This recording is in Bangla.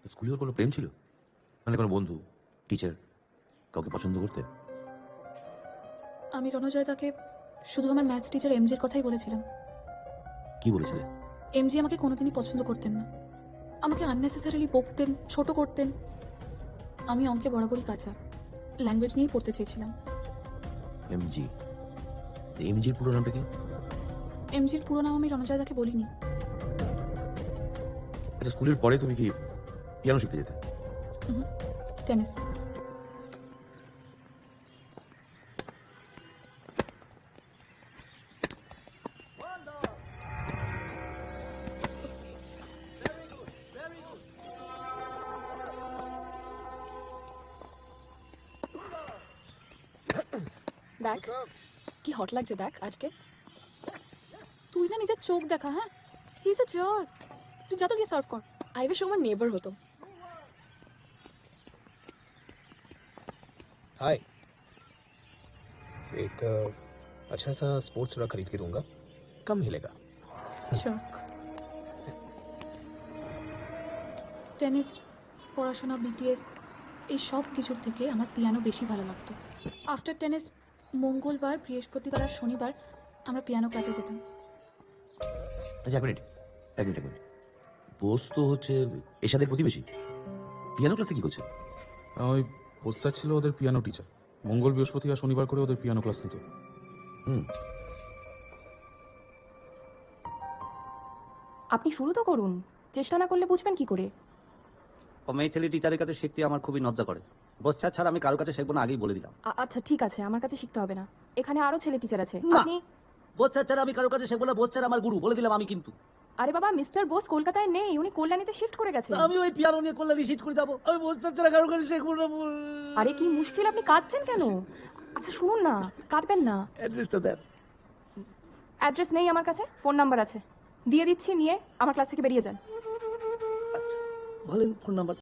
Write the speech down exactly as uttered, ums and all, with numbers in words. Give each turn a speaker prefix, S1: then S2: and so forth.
S1: স্কুলেও কোনো প্রেম ছিল? মানে কোনো বন্ধু, টিচার, কাউকে পছন্দ করতে?
S2: আমি রণজয় তাকে শুধু আমার ম্যাথস টিচার এমজির কথাই বলেছিলাম।
S1: কি বলেছিলে?
S2: এমজি আমাকে কোনোদিনই পছন্দ করতেন না, আমাকে আননেসেসারিলি বকতেন, ছোট করতেন। আমি অঙ্কে বরাবরই কাঁচা, ল্যাঙ্গুয়েজ নিয়েই পড়তে চেয়েছিলাম।
S1: এমজি? এমজির পুরো নামটা কি?
S2: এমজির পুরো নাম আমি রণজয় তাকে বলিনি।
S1: আচ্ছা, স্কুলের পরে তুমি কি পিয়ানো শিখতে যেতে?
S2: টেনিস। দেখ কি হট লাগছে, দেখ আজকে। তুই না নিজের চোখ দেখা। হ্যাঁ, হি ইজ আ চিয়ার। তুই যা তো গিয়ে সার্ভ কর। আই উইশ আমার নেবার হতো।
S3: हाय। एक अ, अच्छा सा स्पोर्ट्स ड्रा खरीद के दूंगा, कम मिलेगा।
S2: শিওর। টেনিস, পড়াশোনা, বিটিএস, এই সব কিছুর থেকে আমার পিয়ানো বেশি ভালো লাগতো। আফটার টেনিস মঙ্গলবার, বৃহস্পতিবার আর শনিবার আমরা পিয়ানো ক্লাসে যেতাম।
S1: আচ্ছা, এক মিনিট এক মিনিট এক মিনিট বোস তো হচ্ছে এশাদের প্রতিবেশী, পিয়ানো ক্লাসে কি করছে?
S4: ওই পোস্টার ছিল ওদের পিয়ানো টিচার, মঙ্গল বৃহস্পতি আর শনিবার করে ওদের পিয়ানো ক্লাস নিত।
S1: হুম।
S5: আপনি শুরু তো করুন, চেষ্টা না করলে বুঝবেন কি করে?
S6: ও মেয়ে ছেলে টিচারের কাছে শিখতে আমার খুবই লজ্জা করে। বচ্চা ছাড়া আমি কারোর কাছে শিখবো না, আগেই বলে দিলাম।
S5: আ- আচ্ছা ঠিক আছে, আমার কাছে শিখতে হবে না, এখানে আরো ছেলে টিচার আছে।
S6: না।
S5: আপনি
S6: বচ্চা ছাড়া আমি কারোর কাছে শিখবো না, বচ্চার আমার গুরু বলে দিলাম আমি। কিন্তু
S5: আরে বাবা, মিস্টার বোস কলকাতায় নেই, উনি কল্যাণীতে শিফট করে গেছেন।
S6: আমি ওই পিয়ানো নিয়ে কল্যাণী শিট করে যাবো, আমি বচ্চা ছাড়া কারোর কাছে শিখবো না।
S5: আরে কি মুশকিল, আপনি কাঁদছেন কেন? আচ্ছা শুনুন না, কাঁদবেন না।
S6: অ্যাড্রেসটা দেন।
S5: অ্যাড্রেস নেই আমার কাছে, ফোন নাম্বার আছে, দিয়ে দিচ্ছি, নিয়ে আমার ক্লাস থেকে বেরিয়ে যান।
S6: আচ্ছা বলেন ফোন নাম্বার।